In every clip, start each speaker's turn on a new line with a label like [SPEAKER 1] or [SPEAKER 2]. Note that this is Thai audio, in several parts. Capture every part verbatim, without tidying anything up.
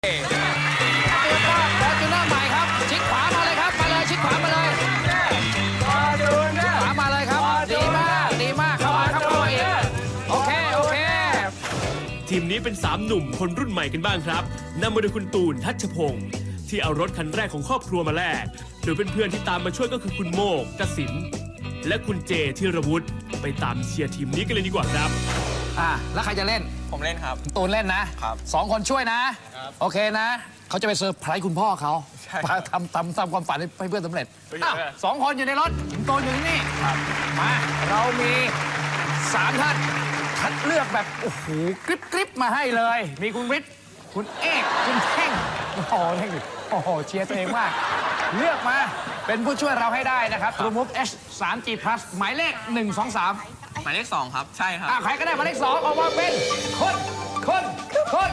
[SPEAKER 1] ตัวก็ฟอร์จูเนอร์ใหม่ครับชิดขวามาเลยครับมาเลยชิดขวามาเลยขวามาเลยครับดีมากดีมากเข้ามาครับเข้ามาอีกโอเคโอเค
[SPEAKER 2] ทีมนี้เป็นสามหนุ่มคนรุ่นใหม่กันบ้างครับนำมาโดยคุณตูนทัชพงศ์ที่เอารถคันแรกของครอบครัวมาแลกโดยเพื่อนๆที่ตามมาช่วยก็คือคุณโมกกสินและคุณเจธีรวุฒิไปตามเชียร์ทีมนี้กันเลยดีกว่าครับ
[SPEAKER 1] อ่ะแล้วใครจะเล่น
[SPEAKER 3] ผมเล่นครับ
[SPEAKER 1] ตูนเล่นนะครับสองคนช่วยนะโอเคนะเขาจะไปเซอร์ไพรส์คุณพ่อเขาทำทำทำความฝันให้เพื่อนสำเร็จสองคนอยู่ในรถตูนอยู่ที่นี่มาเรามีสามท่านคัดเลือกแบบโอ้โหกริบกริบมาให้เลยมีคุณวิทย์คุณเอกคุณเท่งโอ้โหเท่งโอ้โหเชียร์ตัวเองมากเลือกมาเป็นผู้ช่วยเราให้ได้นะครับ True Move H สาม จี Plus หมายเลขหนึ่ง สอง สาม
[SPEAKER 3] หมายเลขสองครับใช่ครับ
[SPEAKER 1] ใครก็ได้หมายเลขสองออกมาเป็นคนคนคน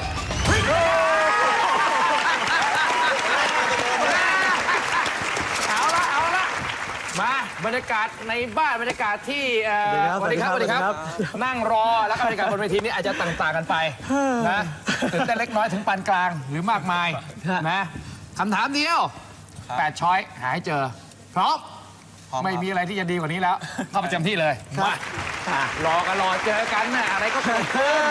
[SPEAKER 1] เอาละเอาละมาบรรยากาศในบ้านบรรยากาศที่สวัสดีครับสวัสดีครับนั่งรอแล้วก็บรรยากาศบนเวทีนี้อาจจะต่างๆกันไปนะตื่นเต้นเล็กน้อยถึงปานกลางหรือมากมายนะคำถามเดียวแปดช้อยหาให้เจอพร้อมไม่มีอะไรที่จะดีกว่านี้แล้วเข้าประจำที่เลยมารอกันรอเจอกันนะอะไรก็เกิดขึ้น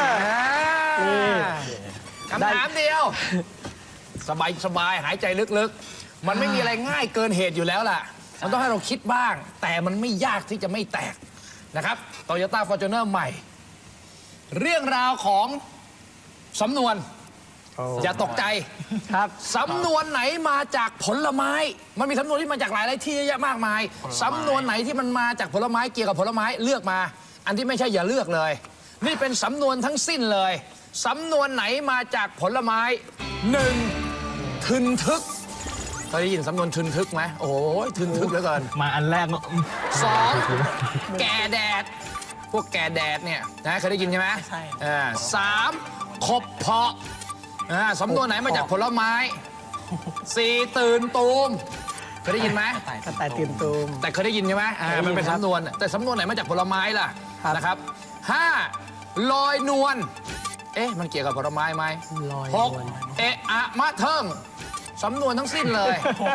[SPEAKER 1] คำถามเดียวสบายสบายหายใจลึกๆมันไม่มีอะไรง่ายเกินเหตุอยู่แล้วล่ะมันต้องให้เราคิดบ้างแต่มันไม่ยากที่จะไม่แตกนะครับ Toyota Fortuner ใหม่เรื่องราวของสำนวนอย่าตกใจครับสำนวนไหนมาจากผลไม้มันมีสำนวนที่มาจากหลายหลายที่เยอะแยะมากมายสำนวนไหนที่มันมาจากผลไม้เกี่ยวกับผลไม้เลือกมาอันที่ไม่ใช่อย่าเลือกเลยนี่เป็นสำนวนทั้งสิ้นเลยสำนวนไหนมาจากผลไม้หนึ่งทึนทึกเคยได้ยินสำนวนทึนทึกไหมโอ้ยทึนทึกเหลือเกิน
[SPEAKER 4] มาอันแรก
[SPEAKER 1] สองแก่แดดพวกแก่แดดเนี่ยนะเคยได้ยินใช่ไหม
[SPEAKER 3] ใช่
[SPEAKER 1] สามขบเพาะสำนวนไหนมาจากผลไม้สี่ตื่นตูมเคยได้ยินไหม
[SPEAKER 4] กระต่ายตื่นตูม
[SPEAKER 1] แต่เคยได้ยินใช่ไหมมันเป็นสำนวนแต่สำนวนไหนมาจากผลไม้ล่ะนะครับห้าลอยนวลเอ๊ะมันเกี่ยวกับผลไม้ไหมหกเอะอะมะเทิงสำนวนทั้งสิ้นเลย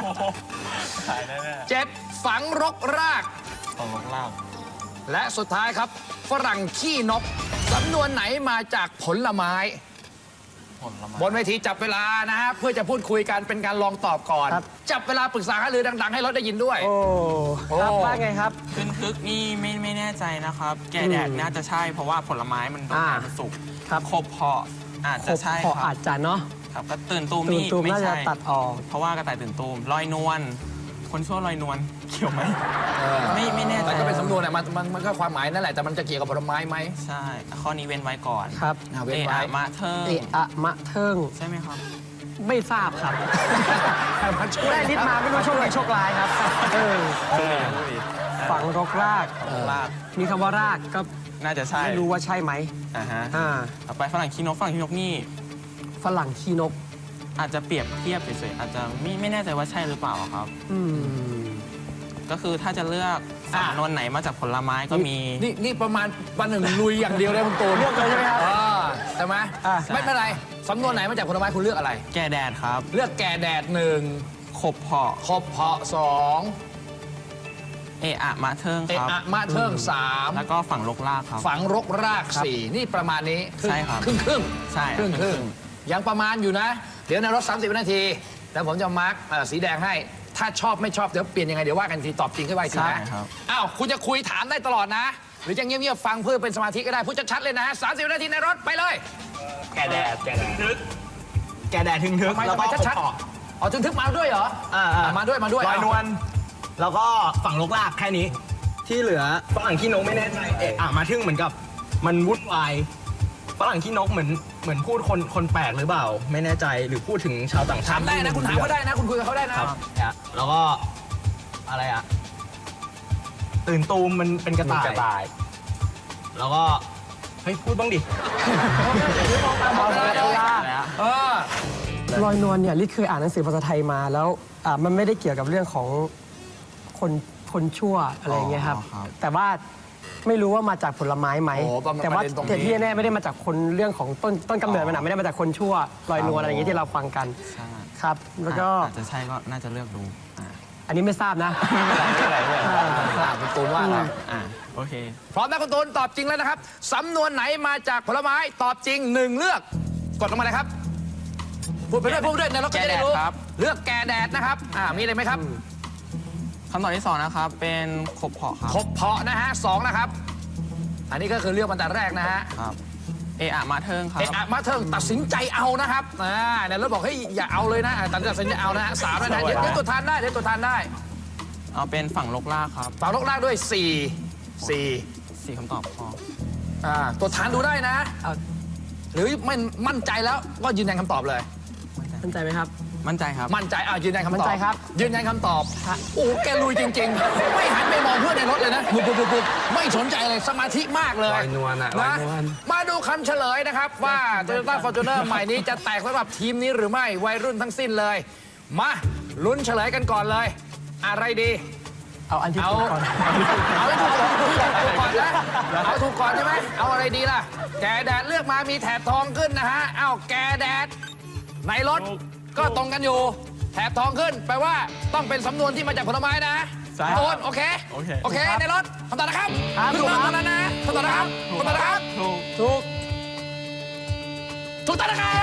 [SPEAKER 1] เจ็ดฝังรกราก
[SPEAKER 3] ฝังรกราก
[SPEAKER 1] และสุดท้ายครับฝรั่งขี้นกสำนวนไหนมาจากผลไม้บนเวทีจับเวลานะฮะเพื่อจะพูดคุยกันเป็นการลองตอบก่อนจับเวลาปรึกษาหารือดังๆให้รถได้ยินด้วย
[SPEAKER 4] โอ้ครับว่าไงครับ
[SPEAKER 3] ทึนทึกนี่ไม่ไม่แน่ใจนะครับแก่แดดน่าจะใช่เพราะว่าผลไม้มันต้องการสุกครับขบเพาะอาจจะใช่
[SPEAKER 4] ครับอาจจะเนาะ
[SPEAKER 3] ครับก็ตื่นตูมนี่
[SPEAKER 4] ไม่ใช่ตัดออก
[SPEAKER 3] เพราะว่ากระต่ายตื่นตูมลอยนวลคนชั่วลอยนวลเกี่ยวไหมไม่ไม่แน่ใจ
[SPEAKER 1] มันก็เป็นสำนวนอะมันมันมันก็ความหมายนั่นแหละแต่มันจะเกี่ยวกับผลไม้ไหม
[SPEAKER 3] ใช่ข้อนี้เว้นไว้ก่อน
[SPEAKER 4] ครับ
[SPEAKER 1] เว้นไว้
[SPEAKER 3] มะเทิง
[SPEAKER 4] เอะอะมะเทิง
[SPEAKER 3] ใช่ไหมครับ
[SPEAKER 4] ไม่ทราบครับได้ลิดมาไม่รู้โชคดีโชคร้ายครับเออฝังรกราก
[SPEAKER 3] ราก
[SPEAKER 4] มีคำว่ารากก็
[SPEAKER 3] น่าจะใช่
[SPEAKER 4] ไม่รู้ว่าใช่ไหม
[SPEAKER 3] อ่าฮะอ่าต่อไปฝรั่งขี้นกฝรั่งขี้นกนี่
[SPEAKER 4] ฝรั่งขี้นก
[SPEAKER 3] อาจจะเปรียบเทียบเฉยๆอาจจะไม่ไม่แน่ใจว่าใช่หรือเปล่าครับ
[SPEAKER 4] อืม
[SPEAKER 3] ก็คือถ้าจะเลือกสำนวนไหนมาจากผลไม้ก็มี
[SPEAKER 1] นี่นี่ประมาณปันหนึ่งลุยอย่างเดียวเลยคุณตูน
[SPEAKER 4] เลือกเลยใช่ไหมครับ
[SPEAKER 1] ใช่ไหมไม่เป็นไรสำนวนไหนมาจากผลไม้คุณเลือกอะไร
[SPEAKER 3] แก่แดดครับ
[SPEAKER 1] เลือกแก่แดดหนึ่ง
[SPEAKER 3] ขบเพาะ
[SPEAKER 1] ขบเพาะสอง
[SPEAKER 3] เอะอะมะเทิงครับ
[SPEAKER 1] เอะอะมะเทิงสาม
[SPEAKER 3] แล้วก็ฝังรกรากครับ
[SPEAKER 1] ฝังรกรากสี่นี่ประมาณนี้
[SPEAKER 3] ใช่ครับ
[SPEAKER 1] ครึ่งครึ่ง
[SPEAKER 3] ใช่
[SPEAKER 1] ครึ่งครึ่งยังประมาณอยู่นะเดี๋ยวในรถสามสิบวินาทีแล้วผมจะมาร์กสีแดงให้ถ้าชอบไม่ชอบเดี๋ยวเปลี่ยนยังไงเดี๋ยวว่ากันทีตอบจริงขึ้นไปทีนะอ้าวคุณจะคุยถามได้ตลอดนะหรือจะเงียบๆฟังเพื่อเป็นสมาธิก็ได้พูดชัดๆเลยนะสามสิบวินาทีในรถไปเลย
[SPEAKER 4] แก่แดดแก่แดดทึกแก่แดดทึงทึก
[SPEAKER 1] แล้วก็ชัดๆอ๋อทึงทึกมาด้วยเหรอ
[SPEAKER 4] อ่า
[SPEAKER 1] มาด้วยมาด้วย
[SPEAKER 4] ลอยนวลแล้วก็ฝั่งลกลากแค่นี้ที่เหลือฝรั่งขี้นกไม่แน่ใจเอะอะมาทึ่งเหมือนกับมันวุ่นวายฝรั่งขี้นกเหมือนเหมือนพูดคนคนแปลกหรือเปล่าไม่แน่ใจหรือพูดถึงชาวต่างชาติ
[SPEAKER 1] ถามได้นะคุณถามเขาได้นะคุณคุยกับเขาได้นะครับ
[SPEAKER 4] แล้วก็อะไรอะตื่นตูมมันเป็นกระต่ายแล้วก็เฮ้ยพูดบ้างดิลอยนวลเนี่ยลิศเคยอ่านหนังสือภาษาไทยมาแล้วมันไม่ได้เกี่ยวกับเรื่องของคนคนชั่วอะไรเงี้ยครับแต่ว่า
[SPEAKER 5] ไม่รู้ว่ามาจากผลไม้ไหม
[SPEAKER 1] โอ้ประมาณ
[SPEAKER 5] แต่ว่า
[SPEAKER 1] ประเด็นตรงนี้
[SPEAKER 5] แต่ที่แน่ๆไม่ได้มาจากคนเรื่องของต้นต้นกำเนิดมันอะไม่ได้มาจากคนชั่วลอยนวลอะไรอย่างงี้ที่เราฟังกัน
[SPEAKER 3] ใช่
[SPEAKER 5] ครับ แล้วก็
[SPEAKER 3] อาจจะใช่ก็น่าจะเลือกดูอ่า
[SPEAKER 5] อันนี้ไม่ทราบนะ
[SPEAKER 1] อ่าคุณตูนว่าอะไร
[SPEAKER 3] อ่าโอเค
[SPEAKER 1] พร้อมนะคุณตูนตอบจริงแล้วนะครับสำนวนไหนมาจากผลไม้ตอบจริงหนึ่งเลือกกดลงมาเลยครับพูดไปด้วยพูดไปด้วยในรถก็จะได้รู้
[SPEAKER 3] แก่แดดครับ
[SPEAKER 1] เลือกแก่แดดนะครับอ่ามีอะไรไหมครับ
[SPEAKER 3] คำตอบที่สองนะครับ เป็นขบเพาะครับ
[SPEAKER 1] คบเพาะนะฮะสองนะครับ อันนี้ก็คือเลือกมาแต่แรกนะฮะ
[SPEAKER 3] ครับเออะมาเทิงครับ
[SPEAKER 1] เอะอะมาเทิงตัดสินใจเอานะครับอ่าในรถบอกเฮ้ยอย่าเอาเลยนะอ่าตัดสินใจเอานะฮะสามแล้วนะเดี๋ยวเดี๋ยวตัวทานได้เดี๋ยวตัวทานได้
[SPEAKER 3] เอาเป็นฝั่งลกลากครับ
[SPEAKER 1] ฝั่งลกล่างด้วยสี่สี่
[SPEAKER 3] สี่คำตอบพอ
[SPEAKER 1] อ่าตัวทานดูได้นะเอาหรือไม่มั่นใจแล้วก็ยืนยันคำตอบเลย
[SPEAKER 5] มั่นใจไหมครับ
[SPEAKER 3] มั่นใจครับ
[SPEAKER 1] มั่นใจอ่ายืนยันคำตอบ
[SPEAKER 5] มั่นใจครับ
[SPEAKER 1] ยืนยันคำตอบโอ้โหแกลุยจริง ๆ ไม่หันไปมองเพื่อนในรถเลยนะปุ๊บปุ๊บปุ๊บปุ๊บไม่สนใจเลยสมาธิมากเลย
[SPEAKER 4] ลอยนวลอะลอ
[SPEAKER 1] นะ
[SPEAKER 4] ยนวล
[SPEAKER 1] มาดูคำเฉลยนะครับ ว่า Toyota Fortuner ใหม่นี้จะแตกสำหรับทีมนี้หรือไม่วัยรุ่นทั้งสิ้นเลย มาลุ้นเฉลยกันก่อนเลย อะไรดี
[SPEAKER 5] เอาอันที่
[SPEAKER 1] เอา
[SPEAKER 5] ถูกก่อน
[SPEAKER 1] เอาให้ถูกก่อนถูกก่อนนะเอาถูกก่อนใช่ไหมเอาอะไรดีล่ะ แกแดดเลือกมามีแถบทองขึ้นนะฮะเอาแกแดดในรถก็ตรงกันอยู่ แถบทองขึ้นแปลว่าต้องเป็นสำนวนที่มาจากผลไม้นะ
[SPEAKER 3] ใช่
[SPEAKER 1] โอนโอเค
[SPEAKER 3] โอเค
[SPEAKER 1] โอเคในรถคำตอบนะครับ
[SPEAKER 5] ครับ
[SPEAKER 1] ถูกต้องแล้วนะคำตอบนะครับคำตอบนะครับ
[SPEAKER 3] ถูก
[SPEAKER 5] ถูก
[SPEAKER 1] ถูกต้องนะครับ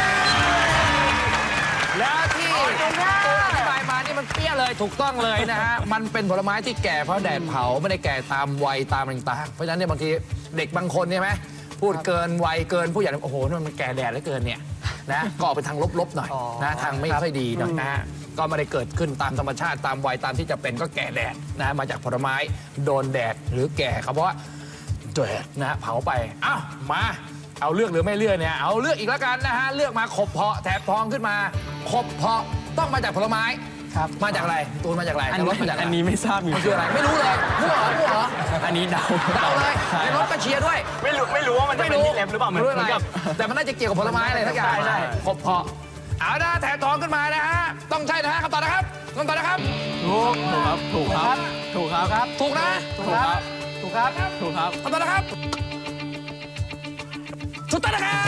[SPEAKER 1] แล้วที่ตัวอธิบายมานี่มันเปี้ยเลยถูกต้องเลยนะฮะมันเป็นผลไม้ที่แก่เพราะแดดเผาไม่ได้แก่ตามวัยตามต่างๆเพราะฉะนั้นเนี่ยบางทีเด็กบางคนใช่ไหมพูดเกินวัยเกินผู้ใหญ่โอ้โหนี่มันแก่แดดเหลือเกินเนี่ยนะก็ออกไปทางลบๆหน่อยนะทางไม่ค่อยดีหน่อยนะฮะก็ไม่ได้เกิดขึ้นตามธรรมชาติตามวัยตามที่จะเป็นก็แก่แดดนะมาจากผลไม้โดนแดดหรือแก่เขาเพราะว่าแดดนะเผาไปอ้าวมาเอาเลือกหรือไม่เลือกเนี่ยเอาเลือกอีกแล้วกันนะฮะเลือกมาขบเพาะแถบทองขึ้นมาขบเพาะต้องมาจากผลไม้
[SPEAKER 5] ครับ
[SPEAKER 1] มาจากอะไรตูนมาจากอะไร
[SPEAKER 3] อัน
[SPEAKER 1] ในร
[SPEAKER 3] นี้
[SPEAKER 1] ถมาจากอะไร
[SPEAKER 3] อันนี้ไม่ทราบอยู่
[SPEAKER 1] มันคืออะไรไม่รู้เลยมั่วเหรอมั่วเหรอ
[SPEAKER 3] อันนี้เดา
[SPEAKER 1] เดาเลย
[SPEAKER 3] ใช่
[SPEAKER 1] ในรถก็เชียร์ด้วย
[SPEAKER 4] ไม่รู้ไม่รู้ว่ามันจะ
[SPEAKER 1] ไม่
[SPEAKER 4] เป็น
[SPEAKER 1] รู้
[SPEAKER 4] ที่เล็บหรือเปล่าเหมือน
[SPEAKER 1] รู้
[SPEAKER 4] เห
[SPEAKER 1] อะไร
[SPEAKER 4] มือนกับ
[SPEAKER 1] แต่มันน่าจะเกี่ยวกับผลไม้อะไรสักอย่าง
[SPEAKER 4] ใช่ใช่
[SPEAKER 1] ขบเพาะเอานะแถบทองขึ้นมานะฮะต้องใช่นะฮะคำตอบนะครับคำตอบนะครับ
[SPEAKER 3] ถูกถูกครับ ถูกครับ ถูกครับ
[SPEAKER 1] ถูกนะ
[SPEAKER 3] ถูกครับ
[SPEAKER 5] ถูกครับ
[SPEAKER 3] ถูกครับ
[SPEAKER 1] คำตอบนะครับถูกต้องนะครับ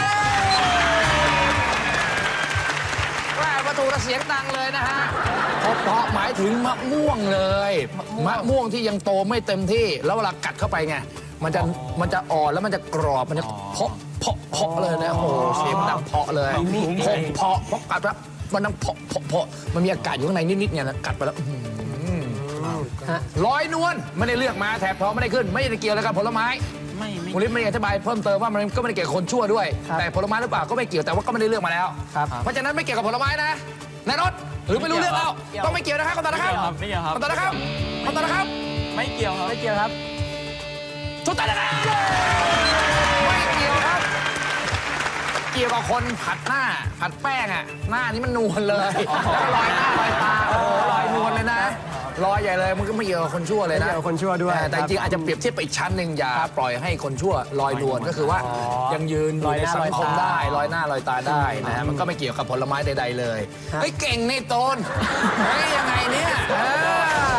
[SPEAKER 1] แม่ประตูระเสียงดังเลยนะฮะขบเพาะหมายถึงมะม่วงเลยมะม่วงที่ยังโตไม่เต็มที่แล้วเวลากัดเข้าไปไงมันจะมันจะอ่อนแล้วมันจะกรอบมันจะเพาะเพาะเพาะเลยนะโอ้โหเสียงดังเพาะเลยเพาะเพาะเพาะกัดแล้วมันดังเพาะเพาะเพาะมันมีอากาศอยู่ข้างในนิดๆเนี่ยนะกัดไปแล้วอื้อหือ
[SPEAKER 5] ฮะ
[SPEAKER 1] ลอยนวลไม่ได้เลือกมาแถบทองไม่ได้ขึ้น ไม่ได้เกี่ยวอะไรกับผลไม้
[SPEAKER 3] ไม่ไม่
[SPEAKER 1] คุณลิศไม่ได้อธิบายเพิ่มเติมว่ามันก็ไม่ได้เกี่ยวกับคนชั่วด้วย แต่ผลไม้หรือเปล่าก็ไม่เกี่ยวแต่ว่าก็ไม่ได้เลือกมาแล้ว
[SPEAKER 5] ครับ
[SPEAKER 1] เพราะฉะนั้นไม่เกี่ยวกับผลไม้นะในรถหรือไม่รู้เรื่องแล้วต้องไม่เกี่ยวนะครับคำตอบนะครับ
[SPEAKER 3] ไม่เกี่ยวครับ
[SPEAKER 1] คำตอบนะครับคำตอบนะครับ
[SPEAKER 3] ไม่เกี่ยวครับ
[SPEAKER 5] ไม่เกี่ยวครับ
[SPEAKER 1] ถูกต้องนะครับไม่เกี่ยวครับ เกี่ยวกับคนผัดหน้าผัดแป้งอ่ะหน้านี้มันนวลเลยแล้วก็ลอยหน้าลอยตาโอ้โหลอยนวลเลยนะลอยใหญ่เลยมันก็ไม่เกี่ยวกับคนชั่วเลยนะ
[SPEAKER 5] ไม่เกี่ยวกับคนชั่วด้วย
[SPEAKER 1] แต่แต่จริงๆอาจจะเปรียบเทียบไปอีกชั้นหนึ่งอย่าปล่อยให้คนชั่วลอยนวลก็คือว่ายังยืนอยู่ในสังคมได้ลอยหน้าลอยตาได้นะฮะมันก็ไม่เกี่ยวกับผลไม้ใดๆเลยเฮ้ยเก่งนี่โตนเฮ้ยยังไงเนี่ยเออ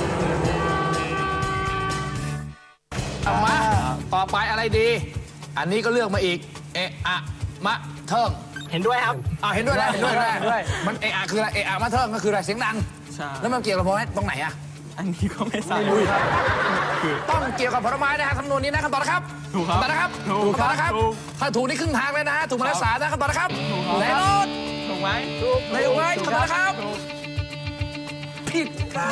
[SPEAKER 1] เอามาต่อไปอะไรดี อันนี้ก็เลือกมาอีกเอะอะมะเทิง
[SPEAKER 4] เห็นด้วยครับ
[SPEAKER 1] อ่าเห็นด้วยนะเห็นด้วยนะ
[SPEAKER 5] เห็นด้วย
[SPEAKER 1] มันเอะอะคืออะไรเอะอะมะเทิงก็คืออะไรเสียงดัง
[SPEAKER 3] ใช่
[SPEAKER 1] แล้วมันเกี่ยวกับผลไม้ตรงไหนอะ
[SPEAKER 3] อันนี้ก็ไม่ทราบ
[SPEAKER 1] ต้องเกี่ยวกับผลไม้นะฮะคำนวณนี้นะคำตอบนะครับ
[SPEAKER 3] ถูกครับ
[SPEAKER 1] คำตอบนะครับ
[SPEAKER 3] ถูก
[SPEAKER 1] คำตอบนะครับ
[SPEAKER 3] ถูก
[SPEAKER 1] ถ้าถูกนี่ครึ่งทางเลยนะฮะถูกมาแล้วสามนะคำตอบนะครับ
[SPEAKER 3] ถูกครับ
[SPEAKER 1] ในรถ
[SPEAKER 3] ถูกไหม
[SPEAKER 1] ในถูกไหมคำตอบนะครับ
[SPEAKER 3] ถูก
[SPEAKER 1] ผิดครับ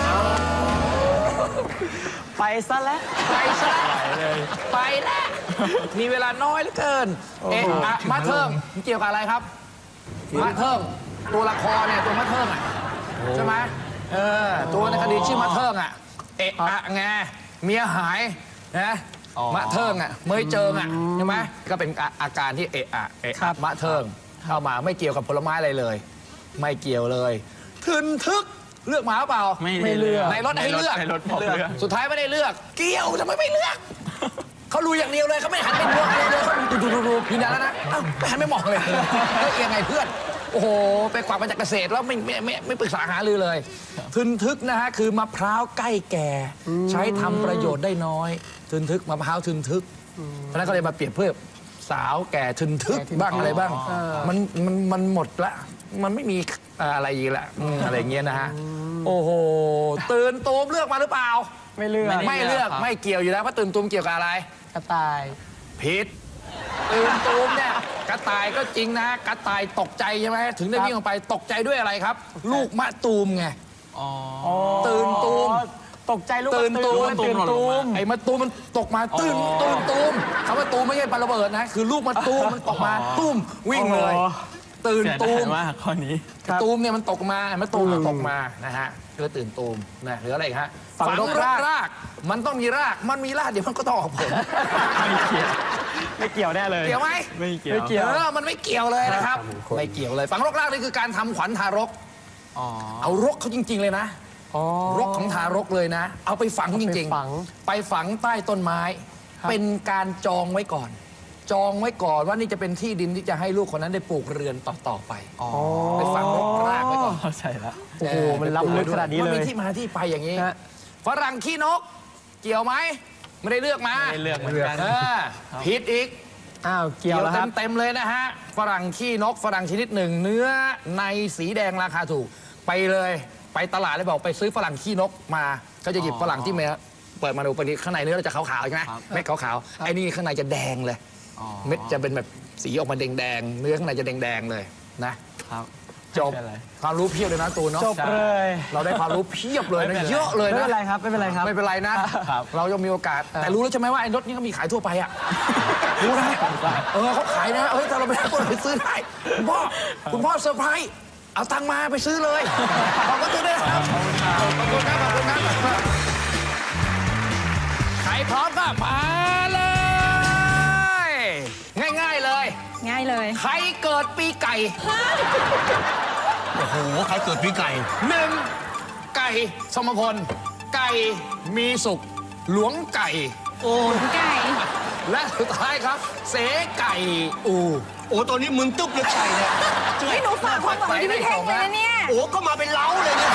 [SPEAKER 5] ไปซะแล้ว
[SPEAKER 1] ไปซะไปแล้วมีเวลาน้อยเหลือเกินเอะอะมะเทิงมันเกี่ยวกับอะไรครับมะเทิงตัวละครเนี่ยตัวมะเทิงอ่ะใช่ไหมเออตัวในคดีชื่อมะเทิงอ่ะเอะอะไงเมียหายนะมะเทิงอ่ะเมยเจิงอ่ะใช่ไหมก็เป็นอาอาการที่เอะอะเอะอะมะเทิงเข้ามาไม่เกี่ยวกับผลไม้อะไรเลย ไม่เกี่ยวเลยทึนทึกเลือกมาหรือเปล่า
[SPEAKER 3] ไม่ได้เลือก
[SPEAKER 1] ในรถให้เลือก
[SPEAKER 3] ในรถบอกเลือก
[SPEAKER 1] สุดท้ายไม่ได้เลือก เกี่ยวทำไมไม่เลือก เขารู้อย่างเดียวเลยเขาไม่หันไปมองเลยเลยเขาดูดูดูดูยืนยันแล้วนะเอ้าไม่หันไม่มองเลยเฮ้ยยังไงเพื่อน โโอ้โห ไปกวักมาจากเกษตรแล้วไม่ไม่ไม่ไม่ปรึกษาหารือเลย ทึนทึกนะฮะคือมะพร้าวใกล้แก่ ใช้ทำประโยชน์ได้น้อย ทึนทึกมะพร้าวทึนทึกเพราะฉะนั้นก็เลยมาเปรียบเทียบสาวแก่ทึนทึกบ้างอะไรบ้าง มันมันมันหมดละ มันไม่มีอะไรอีกละอืมอะไรอย่างเงี้ยนะฮะ โอ้โห ตื่นตูมเลือกมาหรือเปล่า
[SPEAKER 5] ไม่เลือก
[SPEAKER 1] ไม่เลือกไม่เกี่ยวอยู่แล้วเพราะตื่นตูมเกี่ยวกับอะไร
[SPEAKER 5] กระต่าย
[SPEAKER 1] ผิดตื่นตูมเนี่ยกระต่ายก็จริงนะกระต่ายตกใจใช่ไหมถึงได้วิ่งออกไปตกใจด้วยอะไรครับ ลูกมะตูมไง
[SPEAKER 3] อ๋อ
[SPEAKER 1] ตื่นตูม
[SPEAKER 5] ตกใจลูก
[SPEAKER 1] ตื่นตูม
[SPEAKER 5] ตื่นตูม
[SPEAKER 1] ไอ้มะตูมมันตกมาตื่นตื่นตูมคำว่าตูมไม่ใช่ปาระเบิดนะ คือลูกมะตูมมันตกมาตุ้มวิ่งเลย ตื่น
[SPEAKER 3] เสีย
[SPEAKER 1] ตู
[SPEAKER 3] ดาย
[SPEAKER 1] ม
[SPEAKER 3] มากข้อนี้
[SPEAKER 1] ตูมเนี่ยมันตกมามะตูมมันตกมานะฮะก็ตื่นตูมนะหรืออะไรอีกฮะ
[SPEAKER 5] ฝังรกราก
[SPEAKER 1] ราก มันต้องมีรากมันมีรากเดี๋ยวมันก็ต้องออกผล
[SPEAKER 5] ไม่เกี่ยวแน่เลย
[SPEAKER 1] เกี่ยวไหม
[SPEAKER 3] ไม่เกี่ยว
[SPEAKER 5] ไม่เกี่ยว
[SPEAKER 1] เออมันไม่เกี่ยวเลยนะครับ ไม่เกี่ยวเลยฝังรกรากนี่คือการทำขวัญทารก
[SPEAKER 3] อ๋อ
[SPEAKER 1] เอารกเขาจริง ๆ เลยนะ
[SPEAKER 5] อ๋อ
[SPEAKER 1] รกของทารกเลยนะ เอาไปฝังจริง
[SPEAKER 5] เอาไปฝัง
[SPEAKER 1] ๆ ไปฝังใต้ต้นไม้
[SPEAKER 5] ครับ
[SPEAKER 1] เป็นการจองไว้ก่อน จองไว้ก่อนว่านี่จะเป็นที่ดินที่จะให้ลูกคนนั้นได้ปลูกเรือนต่อๆไป
[SPEAKER 3] อ๋อ
[SPEAKER 1] ไปฝังรกรากไว้ก่อน
[SPEAKER 3] เข้าใจแล้ว
[SPEAKER 5] โอ้โหมันล้ำลึกขนาดนี้
[SPEAKER 1] มัน
[SPEAKER 5] เล
[SPEAKER 1] มี
[SPEAKER 5] ย
[SPEAKER 1] ที่มาที่ไปอย่างนี้
[SPEAKER 5] ฮะ
[SPEAKER 1] ฝรั่งขี้นก เกี่ยวไหมไม่ได้เลือกมา
[SPEAKER 3] ไม่ได้เลือกเหมือนกัน
[SPEAKER 1] เออผิดอีก
[SPEAKER 5] อ้าวเกี่ยวแล้วครับ
[SPEAKER 1] เต็มๆเลยนะฮะ ฝรั่งขี้นก ฝรั่งชนิดหนึ่ง เนื้อในสีแดงราคาถูก ไปเลยไปตลาดเลยบอกไปซื้อฝรั่งขี้นกมา ก็จะหยิบฝรั่งที่เมเปิดมาดูไปนี้ข้างในเนื้อเราจะขาวๆใช่ไหม
[SPEAKER 3] ครับ
[SPEAKER 1] เม็ดขาวๆไอ้นี่ข้างในจะแดงเลย
[SPEAKER 3] อ๋อ
[SPEAKER 1] เม็ดจะเป็นแบบสีออกมาแดงๆเนื้อข้างในจะแดงๆเลยนะครับ จบ
[SPEAKER 3] ไม่เป็นไร
[SPEAKER 1] ความรู้เพียบเลยนะตูนเนาะ
[SPEAKER 5] จบเลย
[SPEAKER 1] เราได้ความรู้เพียบเลย
[SPEAKER 3] ไม่
[SPEAKER 1] นะ
[SPEAKER 3] เป็นไร
[SPEAKER 1] เยอะเลย
[SPEAKER 5] ไม่
[SPEAKER 1] นะ
[SPEAKER 5] เป็นไรครับไม่เป็นไรครับ
[SPEAKER 1] ไม่เป็นไรนะ
[SPEAKER 3] ครับ
[SPEAKER 1] เรายังมีโอกาส แต่รู้แล้วใช่ไหมว่าไอ้รถนี้ก็มีขายทั่วไปอ่ะ รู้นะเออเขาขายนะ เฮ้ยถ้าเราไปได้คนไปซื้อได้คุณพ่อ คุณพ่อเซอร์ไพรส์เอาตังค์มาไปซื้อเลย ขอบคุณด้วยนะครับ ขอบคุณครับ ขอบคุณครับใครพร้อมก็มาเลย ง่ายๆเลย
[SPEAKER 6] ง่ายเลย
[SPEAKER 1] ใครเกิดปีไก่
[SPEAKER 4] โอ้โห ใครเกิดปีไก่
[SPEAKER 1] หนึ่งไก่สมพล ไก่มีสุข หลวงไก่
[SPEAKER 6] ไก่
[SPEAKER 1] และสุดท้ายครับ เสไก่อู
[SPEAKER 4] โอ้ตัวนี้มึงตึ๊บเลยไก่เนี่ย
[SPEAKER 6] ไม่หนูฝากความหวังที่พี่เท่งเลยนะเนี่ย
[SPEAKER 4] โอ้ก็มาเป็นเล้าเลยเนี่ย